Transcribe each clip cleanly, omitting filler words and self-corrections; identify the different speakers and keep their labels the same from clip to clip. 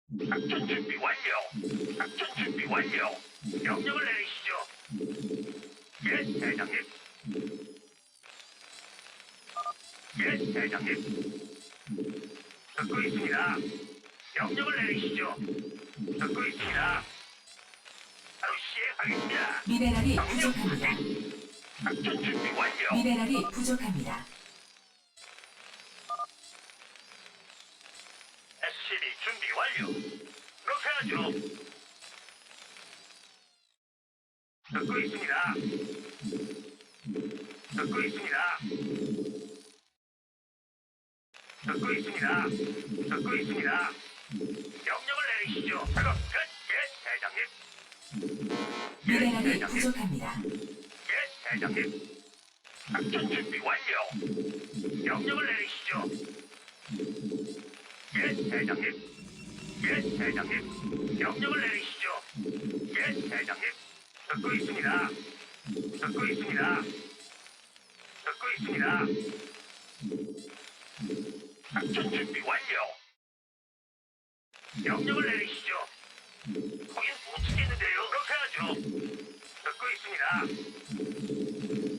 Speaker 1: 작전 준비 완료. 작전 준비 완료. 명령을 내리시죠. 예, 대장님. 예, 대장님. 듣고 있습니다. 명령을 내리시죠. 듣고 있습니다. 바로 시행하겠습니다.
Speaker 2: 미네랄이 부족합니다.
Speaker 1: 작전 준비 완료.
Speaker 2: 미네랄이 부족합니다.
Speaker 1: SCB 준비 완료. 그렇게 하죠. 듣고 있습니다. 듣고 있습니다. 듣고 있습니다. 듣고 있습니다. 명령을 내리시죠. 작업 끝. 예, 대장님. 예,
Speaker 2: 미네랄이
Speaker 1: 대장님.
Speaker 2: 부족합니다.
Speaker 1: 예, 대장님. 작전 준비 완료. 명령을 내리시죠. 예, 대장님. 예, 대장님. 명령을 내리시죠. 예, 대장님. 듣고 있습니다. 듣고 있습니다. 듣고 있습니다. 작전 준비 완료. 명령을 내리시죠. 거긴 못 치겠는데요. 그렇게 하죠. 듣고 있습니다.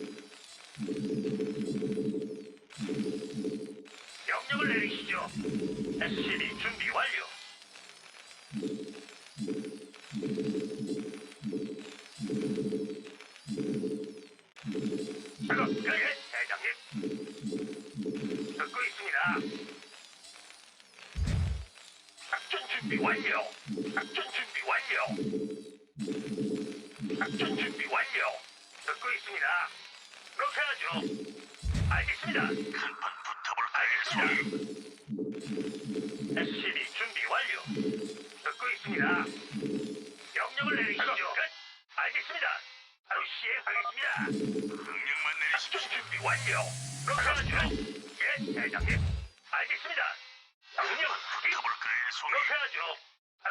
Speaker 1: 명령을 내리시죠. SCB 준비 완료. 작업 끝. 예, 대장님. 듣고 있습니다. 작전 준비 완료. 작전 준비 완료. 작전 준비 완료. 듣고 있습니다. 그렇게 하죠. 알겠습니다. 간판 붙어볼까요? SCB 준비 완료. 듣고 있습니다. 명령을 내리시죠. 끝. 알겠습니다. 바로 시행하겠습니다. 명령만 내리시죠. 작전 준비 완료. 그렇게 하죠. 예, 대장님. 알겠습니다. 명령 확인. 붙어볼까요, 손? 그렇게 하죠. 바로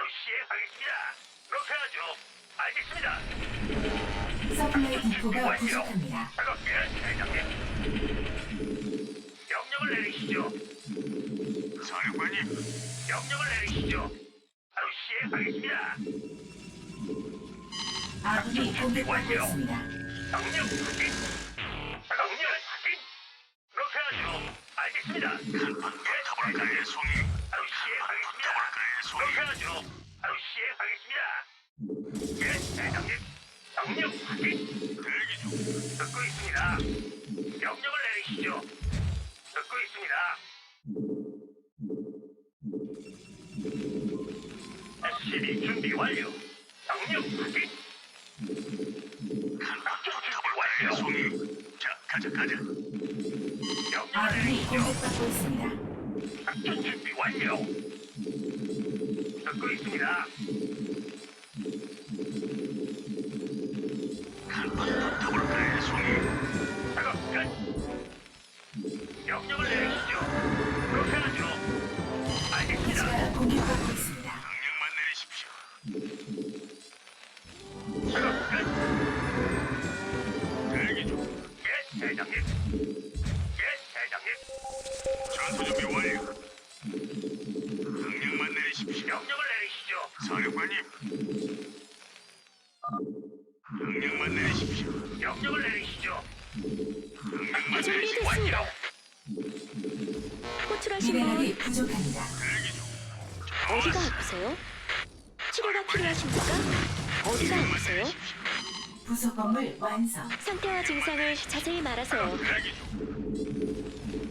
Speaker 1: 시행하겠습니다. 그렇게 하죠. 알겠습니다.
Speaker 2: 서플라이 디포가 부족합니다.
Speaker 1: 작업 예, 대장님. 명령을 내리시죠. 사령관님. 명령을 내리시죠. 바로 시행하겠습니다.
Speaker 2: 아군이 공격받고 있습니다.
Speaker 1: 명령 확인. 명령 확인. 그렇게 하죠. 알겠습니다. 한번 붙어볼까요, 송이? 바로 시행하겠습니다. 그렇게 하죠. 바로 시행하겠습니다. 예, 대장님. 명령 확인. 대기 중. 듣고 있습니다. 명령을 내리시죠. 듣고 있습니다. SCB 준비 완료. 명령 확인. 작전 준비 완료. 송이. 자, 가자. 명령을
Speaker 2: 아군이
Speaker 1: 내리시죠.
Speaker 2: 공격받고 있습니다.
Speaker 1: 작전 준비 완료. 듣고 있습니다. 간판 붙어볼까요, 송이? 작업 끝. 명령을 내리시죠. 그렇게 하죠. 알겠습니다.
Speaker 2: 기지가 공격받고 있습니다.
Speaker 1: 명령만 내리십시오. 작업 끝. 대기 중. 예, 대장님. 전투 준비 완료. 명령만 내리십시오. 명령을 내리시죠. 사령관님. 명령만 내리십시오. 명령을 내리시죠. 명령만 내리십시오.
Speaker 3: 준비됐습니다. 호출하신
Speaker 2: 미네랄이
Speaker 3: 분
Speaker 2: 부족합니다.
Speaker 1: 대기 중.
Speaker 3: 어디가 아프세요? 치료가 필요하십니까? 어디가 아프세요?
Speaker 2: 부속 건물 완성.
Speaker 3: 상태와 증상을 자세히 말하세요.
Speaker 1: 대기 중.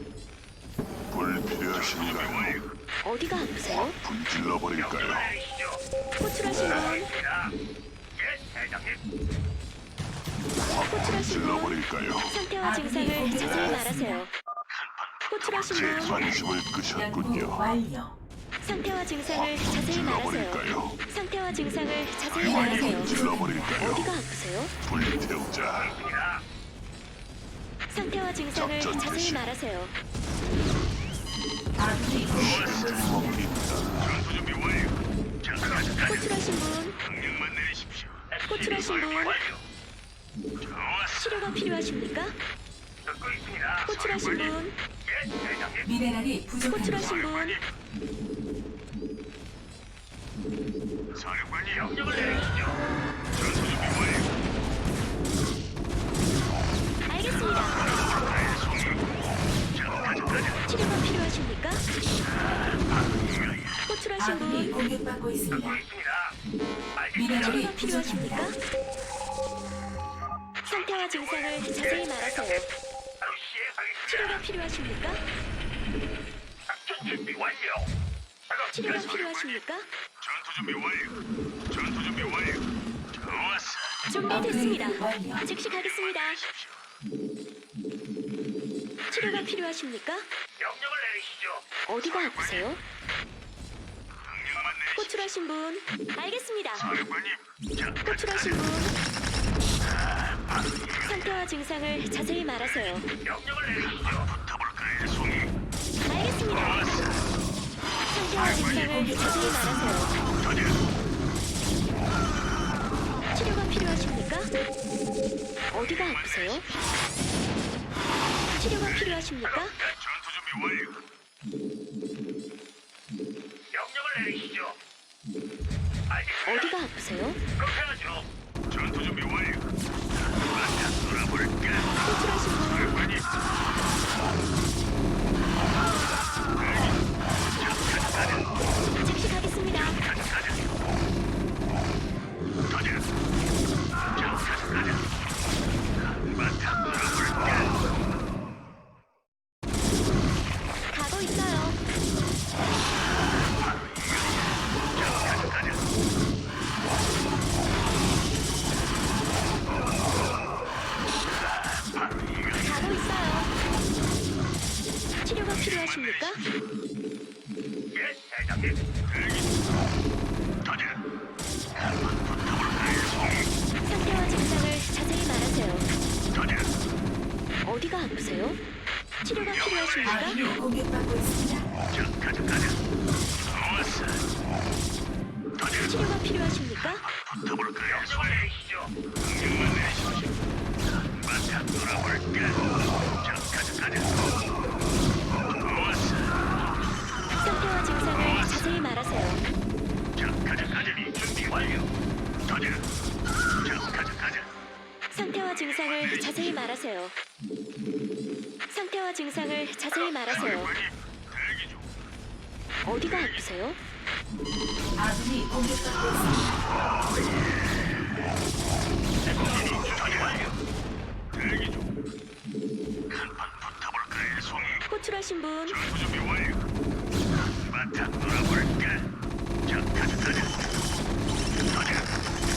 Speaker 4: 불필요하신가요?
Speaker 3: 어디가 아프세요?
Speaker 4: 불질러 버릴까요?
Speaker 1: 명령을 내리시죠.
Speaker 3: 호출하신 분,
Speaker 1: 알겠습니다. 예, 대장님.
Speaker 3: 호출하신
Speaker 4: 불질러
Speaker 3: 분,
Speaker 4: 버릴까요?
Speaker 3: 상태와 증상을 자세히 말하세요. 호출하신
Speaker 4: 제
Speaker 3: 분,
Speaker 4: 관심을
Speaker 2: 연구
Speaker 4: 끄셨군요.
Speaker 2: 완료.
Speaker 3: 상태와 증상을 자세히
Speaker 4: 불질러
Speaker 3: 말하세요.
Speaker 4: 버릴까요?
Speaker 3: 상태와 증상을 자세히 말하세요.
Speaker 4: 불질러 버릴까요?
Speaker 3: 어디가 아프세요?
Speaker 4: 불태우자.
Speaker 1: 입니다.
Speaker 3: 상태와 증상을
Speaker 4: 작전
Speaker 3: 자세히
Speaker 4: 개시.
Speaker 3: 말하세요.
Speaker 2: 아군이 공격받고 있습니다.
Speaker 4: 먹힌다.
Speaker 1: 전투 준비 완료. 자, 가자.
Speaker 3: 호출하신 분,
Speaker 1: 명령만 내리십시오.
Speaker 3: 호출하신 분.
Speaker 1: 좋았어.
Speaker 3: 치료가 필요하십니까?
Speaker 1: 듣고 있습니다.
Speaker 3: 호출하신 분,
Speaker 1: 예, 대장님.
Speaker 2: 미네랄이 부족합니다.
Speaker 3: 호출하신 분, 호출하신
Speaker 2: 아군이
Speaker 3: 분,
Speaker 2: 공격받고 있습니다.
Speaker 1: 듣고 있습니다. 알겠습니다.
Speaker 2: 미네랄이
Speaker 3: 치료가 필요하십니까?
Speaker 2: 부족합니다.
Speaker 3: 상태와 증상을 자세히 말하세요.
Speaker 1: 바로 시행하겠습니다.
Speaker 3: 치료가 필요하십니까?
Speaker 1: 작전 준비 완료. 작업
Speaker 3: 치료가
Speaker 1: 끝.
Speaker 3: 필요하십니까?
Speaker 1: 전투 준비 완료. 전투 준비 완료. 좋았어.
Speaker 3: 준비됐습니다.
Speaker 2: 업그레이드 완료.
Speaker 3: 즉시 가겠습니다. 치료가 필요하십니까?
Speaker 1: 명령을 내리시죠.
Speaker 3: 어디가 아프세요?
Speaker 1: 명령만 내리시죠.
Speaker 3: 호출하신 분, 알겠습니다.
Speaker 1: 사령관님. 자,
Speaker 3: 호출하신 분, 상태와 증상을 자세히 말하세요.
Speaker 1: 명령을 내리시죠. 붙어볼까요, 송이?
Speaker 3: 알겠습니다. 상태와 증상을 자세히 말하세요.
Speaker 1: 터져.
Speaker 3: 치료가 필요하십니까? 어디가 아프세요? 치료가 필요하십니까?
Speaker 1: 전투 준비 완료. 명령을 내리시죠. 알겠습니다.
Speaker 3: 어디가 아프세요?
Speaker 1: 그렇게 하죠. 전투 준비 완료. 맞아, 돌아볼까?
Speaker 3: 호출하신 분,
Speaker 1: 사령관님.
Speaker 3: 즉시 가겠습니다. 가고 있어요. 가고 있어요. 치료가 필요하십니까?
Speaker 1: 예, 대장님. 터져. 한번 붙어볼까요, 송이?
Speaker 3: 상태와 증상을 자세히 말하세요.
Speaker 1: 터져.
Speaker 3: 어디가 아프세요? 치료가 필요하십니까?
Speaker 2: 아군이 공격받고 있습니다.
Speaker 1: 자, 가자. 좋았어. 터져.
Speaker 3: 치료가 필요하십니까?
Speaker 1: 붙어볼까요, 명령을 내리시죠. 명령만 내리십시오. 한바탕 돌아볼까? 자, 가자. 좋았어.
Speaker 3: 상태와 증상을 자세히 말하세요.
Speaker 1: 자, 가자. 준비 완료. 터져. 자, 가자.
Speaker 3: 상태와 증상을 자세히 말하세요. 상태와 증상을 자세히 말하세요.
Speaker 1: 사령관님, 대기 중.
Speaker 3: 어디가 아프세요?
Speaker 2: 아군이 공격받고 있습니다.
Speaker 1: 준비 완료. 대기 중. 한판 붙어볼까요, 송이?
Speaker 3: 호출하신 분,
Speaker 1: 전투 준비 완료. 한바탕 돌아볼까? 자, 가자. 터져.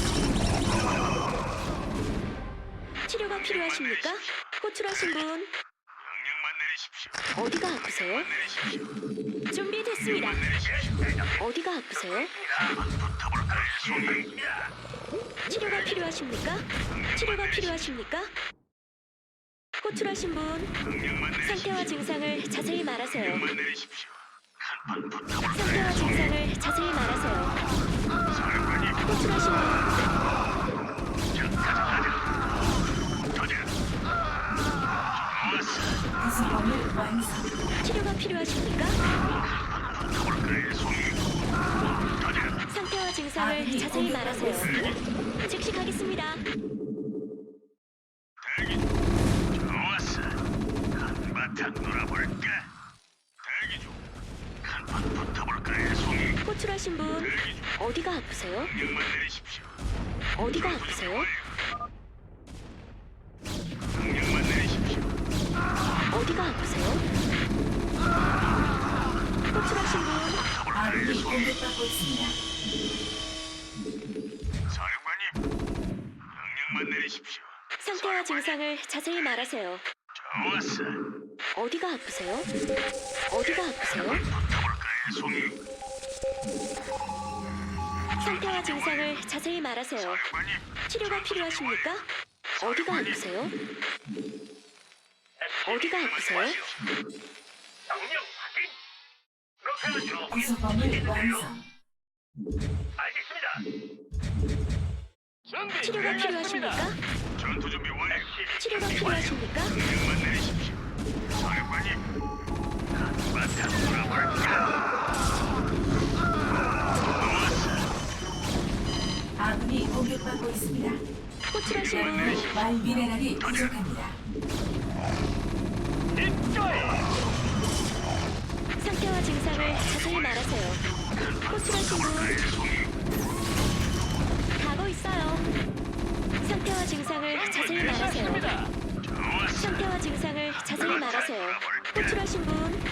Speaker 3: 치료가 필요하십니까? 호출하신 분,
Speaker 1: 명령만 내리십시오.
Speaker 3: 어디가 아프세요?
Speaker 1: 내리십시오.
Speaker 3: 준비됐습니다.
Speaker 1: 내리십시오.
Speaker 3: 어디가 아프세요?
Speaker 1: 붙어볼까요, 송이?
Speaker 3: 치료가 필요하십니까? 치료가 필요하십니까? 호출하신 분,
Speaker 1: 명령만 내리십시오.
Speaker 3: 상태와 증상을 자세히 말하세요.
Speaker 1: 명령만 내리십시오. 한판 붙어볼까요,
Speaker 3: 상태와
Speaker 1: 송이?
Speaker 3: 증상을 자세히 말하세요.
Speaker 1: 사령관님,
Speaker 3: 호출하신 분,
Speaker 1: 자, 가자. 터져. 좋았어.
Speaker 2: 구성범을 완성.
Speaker 3: 치료가 필요하십니까?
Speaker 1: 붙어볼까요, 송이? 터져.
Speaker 3: 상태와 증상을 자세히 말하세요. 즉시 가겠습니다.
Speaker 1: 대기. 좋았어. 한바탕 놀아볼까? 대기 중. 한판 붙어볼까요, 송이?
Speaker 3: 호출하신 분,
Speaker 1: 대기 중.
Speaker 3: 어디가 아프세요?
Speaker 1: 명령만 내리십시오.
Speaker 3: 어디가 아프세요?
Speaker 1: 명령만 내리십시오.
Speaker 3: 어디가 아프세요? 호출하신 분,
Speaker 2: 아군이 공격받고 있습니다.
Speaker 1: 사령관님, 명령만 내리십시오.
Speaker 3: 상태와 증상을 자세히 말하세요.
Speaker 1: 좋았어.
Speaker 3: 어디가 아프세요? 어디가 아프세요?
Speaker 1: 붙어볼까요, 송이?
Speaker 3: 상태와 증상을 자세히 말하세요.
Speaker 1: 사령관님,
Speaker 3: 치료가 필요하십니까? 어디가 아프세요? 어디가 아프세요?
Speaker 1: 명령 확인. 그렇게 하죠.
Speaker 2: 구성범을 완성.
Speaker 1: 알겠습니다. 준비
Speaker 3: 치료가 필요하십니까?
Speaker 1: 전투 준비 완료.
Speaker 3: 치료가 필요하십니까?
Speaker 1: 명령만 내리십시오. 사령관님, 한바탕 돌아볼까? 좋았어.
Speaker 2: 아군이 공격받고 있습니다.
Speaker 3: 호출하신 분,
Speaker 2: 말 미네랄이 부족합니다.
Speaker 1: 입가에
Speaker 3: 상태와 증상을 자세히 말하세요. 호출하신 분 가고 있어요. 상태와 증상을 자세히 말하세요. 상태와 증상을 자세히 말하세요. 호출하신 분